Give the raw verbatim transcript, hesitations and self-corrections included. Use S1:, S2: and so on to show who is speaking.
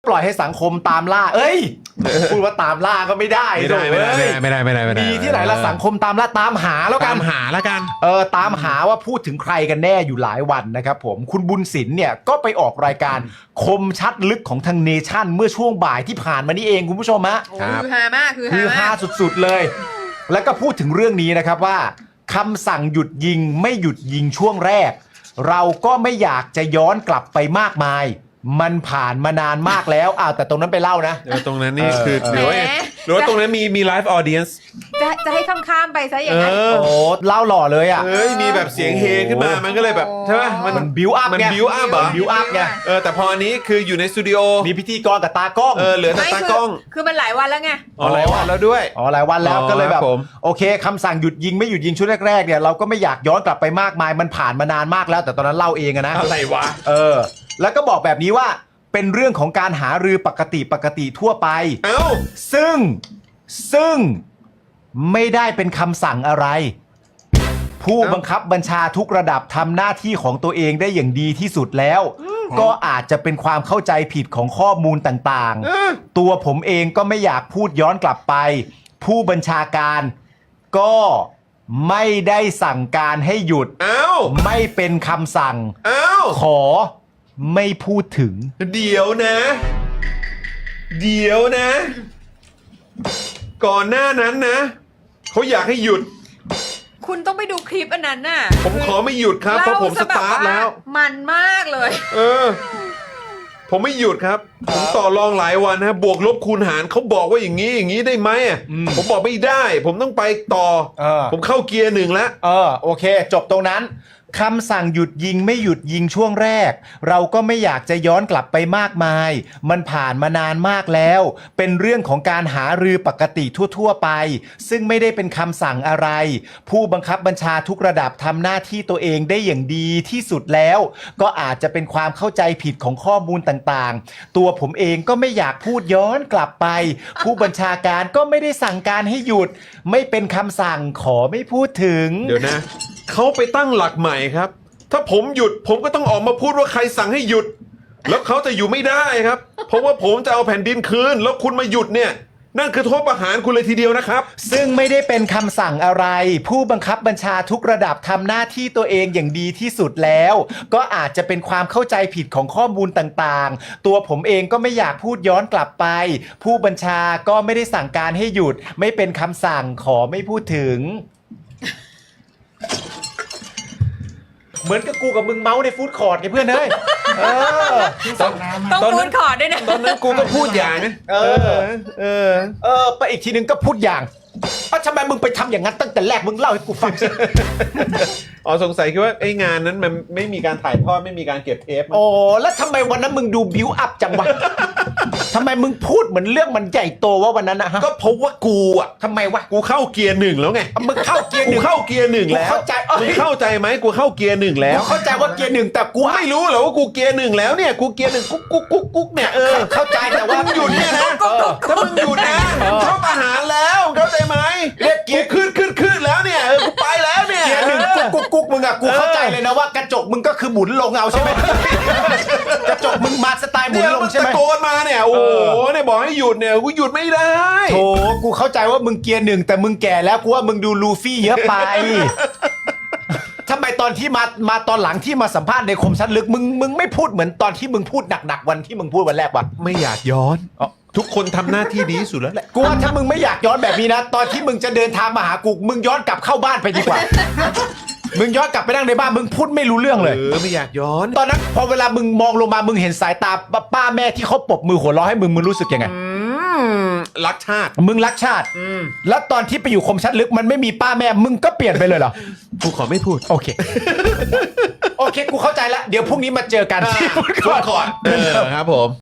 S1: ปล่อยให้สังคมตามล่าเอ้ยพูดว่าตามล่าก็ไม่ได้
S2: ไม่ได้ไม่ได้ไม่ได้ไม่ได้ไม่ได้
S1: มีที่ไหนละสังคมตามล่าตามหาแล้วกั
S2: ตาน มหาแล้วกัน
S1: เออตามหาว่าพูดถึงใครกันแน่อยู่หลายวันนะครับผมคุณบุญศิลป์เนี่ยก็ไปออกรายการคมชัดลึกของทางเนชั่นเมื่อช่วงบ่ายที่ผ่านมานี่เองคุณผู้ชมฮะ
S3: โอ้คือฮามากคือ
S1: คือ
S3: ฮา
S1: ฮาม
S3: าก
S1: สุดๆเลย แล้วก็พูดถึงเรื่องนี้นะครับว่าคำสั่งหยุดยิงไม่หยุดยิงช่วงแรก เราก็ไม่อยากจะย้อนกลับไปมากมาย มันผ่านมานานมากแล้วอ้าวแต่ตรงนั้นไปเล่านะ
S2: เดี๋ยวตรงนั้นนี่คือ
S1: เออ
S2: หรือว่าหรือว่าตรงนั้นมีมีไลฟ์ออเดียนส์
S3: จะจะให้ข้ามๆไปซะอย่างนั้น
S2: เออ
S1: โอ้เล่าหล่อเลยอ่ะ
S2: เอ้ยมีแบบเสียงเฮขึ้นมามันก็เลยแบบใช่ไหมมัน
S1: มันบิวอัพ
S2: มัน
S1: ไง
S2: build up เหรอ
S1: บิวอัพไง
S2: เออแต่พออันนี้คืออยู่ในสตูดิโอ
S1: มีพิธีกรกับตากล้อง
S2: เออเหลือแต่
S3: ไม่
S2: ตา
S3: คื
S2: กล้อง
S3: คือมันหลายวันแล้วไง
S2: อ๋อหลายวันแล้วด้วย
S1: อ๋อหลายวันแล้ว
S2: อ๋อ
S1: ก็เลยแบบ
S2: ครับผม
S1: โอเคคำสั่งหยุดยิงไม่หยุดยิงช่วงแรกๆเนี่ยเราก็ไม่อยากย้อนกลับไปมากมายมันผ่านมานานมากแล้ว แต่ตอนนั้นเล่าเองอะนะ
S2: อะไรวะ
S1: เออ แล้วก็บอกแบบนี้ว่าเป็นเรื่องของการหารือปกติปกติทั่วไป
S2: เอ้า
S1: ซึ่งซึ่งไม่ได้เป็นคำสั่งอะไร ผู้บังคับบัญชาทุกระดับทำหน้าที่ของตัวเองได้อย่างดีที่สุดแล้ว ก็อาจจะเป็นความเข้าใจผิดของข้อมูลต่าง
S2: เออ
S1: ๆ ตัวผมเองก็ไม่อยากพูดย้อนกลับไป ผู้บัญชาการก็ไม่ได้สั่งการให้หยุด
S2: เอ้า
S1: ไม่เป็นคำสั่ง
S2: เอ้า
S1: ขอไม่พูดถึง
S2: เดี๋ยวนะ เดี๋ยวนะ ก่อนหน้านั้นนะเขาอยากให้หยุด
S3: คุณต้องไปดูคลิปอันนั้นน่ะ
S2: ผมขอไม่หยุดครับเพราะผมสตาร์ทแล้ว
S3: มันมากเลย
S2: เออ ผมไม่หยุดครับ ผมต่อรองหลายวันนะบวกลบคูณหารเขาบอกว่าอย่างนี้อย่างนี้ได้ไหมอ่ะ
S1: อืม
S2: ผมบอกไม่ได้ ผมต้องไปต่อ
S1: เออ
S2: ผมเข้าเกียร์หนึ่งแล้ว
S1: เออโอเค จบตรงนั้นคำสั่งหยุดยิงไม่หยุดยิงช่วงแรก เราก็ไม่อยากจะย้อนกลับไปมากมาย มันผ่านมานานมากแล้ว เป็นเรื่องของการหารือปกติทั่วๆไป ซึ่งไม่ได้เป็นคำสั่งอะไร ผู้บังคับบัญชาทุกระดับทำหน้าที่ตัวเองได้อย่างดีที่สุดแล้ว ก็อาจจะเป็นความเข้าใจผิดของข้อมูลต่างๆ ตัวผมเองก็ไม่อยากพูดย้อนกลับไป ผู้บัญชาการก็ไม่ได้สั่งการให้หยุด ไม่เป็นคำสั่งขอไม่พูดถึง
S2: เดี๋ยวนะ เขาไปตั้งหลักใหม่ครับ ถ้าผมหยุดผมก็ต้องออกมาพูดว่าใครสั่งให้หยุด แล้วเขาจะอยู่ไม่ได้ครับ เพราะว่าผมจะเอาแผ่นดินคืน แล้วคุณมาหยุดเนี่ย นั่นคือโทษประหารคุณเลยทีเดียวนะครับ
S1: ซึ่งไม่ได้เป็นคำสั่งอะไร ผู้บังคับบัญชาทุกระดับทำหน้าที่ตัวเองอย่างดีที่สุดแล้ว ก็อาจจะเป็นความเข้าใจผิดของข้อมูลต่างๆ ตัวผมเองก็ไม่อยากพูดย้อนกลับไป ผู้บัญชาก็ไม่ได้สั่งการให้หยุด ไม่เป็นคำสั่งขอไม่พูดถึง เหมือนกับกูกับมึงเมาส์ในฟู้ดคอร์ทไงเพื่อนเอ้ยเออ
S3: ต้อง
S2: ตอนนั้น
S3: พูดขอดด้วยนะ
S2: ตอนนั้นกูก็พูดอย่างนะ
S1: เออ
S2: เออ
S1: เออไปอีกทีนึงก็พูดอย่างเอ้าทำไมมึงไปทำอย่างนั้นตั้งแต่แรกมึงเล่าให้กูฟังสิ
S2: อ๋อสงสัยคิดว่าไอ้งานนั้นมันไม่มีการถ่ายทอดไม่มีการเก็บเทปมั้ง
S1: โอ้แล้วทำไมวันนั้นมึงดูบิวอัพจังวะ ทำไมมึงพูดเหมือนเรื่องมันใหญ่โตว่าวันนั้นนะฮะ
S2: ก็เพราะว่ากูอ่ะ
S1: ทำไมวะ
S2: กูเข้าเกียร์หนึ่งแล้วไง
S1: มึงเข้าเกียร์ห
S2: กู
S1: นึ่ง
S2: เข้าเกียร์หนึ่งแล้ว
S1: กูเข้าใจเอ้ย
S2: มึงเข้าใจไหมกูเข้าเกียร์หนึ่งแล้
S1: กู
S2: ว
S1: เข้าใจว่าเกียร์หนึ่งแต่กู
S2: กูไม่รู้เหรอว่ากูเกียร์หนึ่งแล้วเนี่ยกูเกียร์หนึ่งกุ๊กกุ๊กกุ๊กกุ๊กเนี่ยเออ
S1: เข้าใจแต่ว่า
S2: มึงหยุดเนี่ยนะ
S1: เออ
S2: ถ้ามึงหยุดนะมึงเข้าประหารแล้วเข้าใจไหม
S1: เรียกเกี
S2: กู
S1: ยร์
S2: ขึ้นขึ้นขึ้นแล้วเนี่ยเออกูไปแล้วเนี่ย
S1: เกียร์หนึ่ง
S2: เอ
S1: กุ๊
S2: อก
S1: กุ๊กกุ๊กมึงอะกูเข้าใจเลยนะว่ากระจกมึงก็คือหมุนลงเอาใช่ไหม กระจกมึงมาสไตล์หมุน
S2: เนี่ย
S1: ลง
S2: มัน
S1: ใช่ไหม
S2: ตะโกนมาเนี่ยโอ้โหเนี่ยบอกให้หยุดเนี่ยกูหยุดไม่ได้
S1: โถกูเข้าใจว่ามึงเกียร์หนึ่งแต่มึงแก่แล้วกูว่ามึงดูลูฟี่เยอะไป ทำไมตอนที่มามาตอนหลังที่มาสัมภาษณ์ในคมชัดลึกมึงมึงไม่พูดเหมือนตอนที่มึงพูดหนักๆวันที่มึงพูดวันแรกวะ
S2: ไม่อยากย้อน ทุกคนทำหน้าที่ดีที่สุดแล้วแหละ
S1: กูว่าถ้ามึงไม่อยากย้อนแบบนี้นะ ตอนที่มึงจะเดินทางมาหากูมึงย้อนกลับเข้าบ้านไปดีกว่า มึงย้อนกลับไปนั่งในบ้านมึงพูดไม่รู้เรื่องเลย
S2: เออไม่อยากย้อน
S1: ตอนนั้นพอเวลามึงมองลงมามึงเห็นสายตาป้าแม่ที่เขาปรบมือหัวเราะให้มึงมึงรู้สึกยังไง
S2: รักชาติ
S1: มึงรักชาติแล้วตอนที่ไปอยู่คมชัดลึกมันไม่มีป้าแม่มึงก็เปลี่ยนไปเลยเหรอ
S2: กูขอไม่พูด
S1: โอเค โอเคกูเข้าใจแล้วเดี๋ยวพรุ่งนี้มาเจอกันที่
S2: พูดก่อนเออครับผม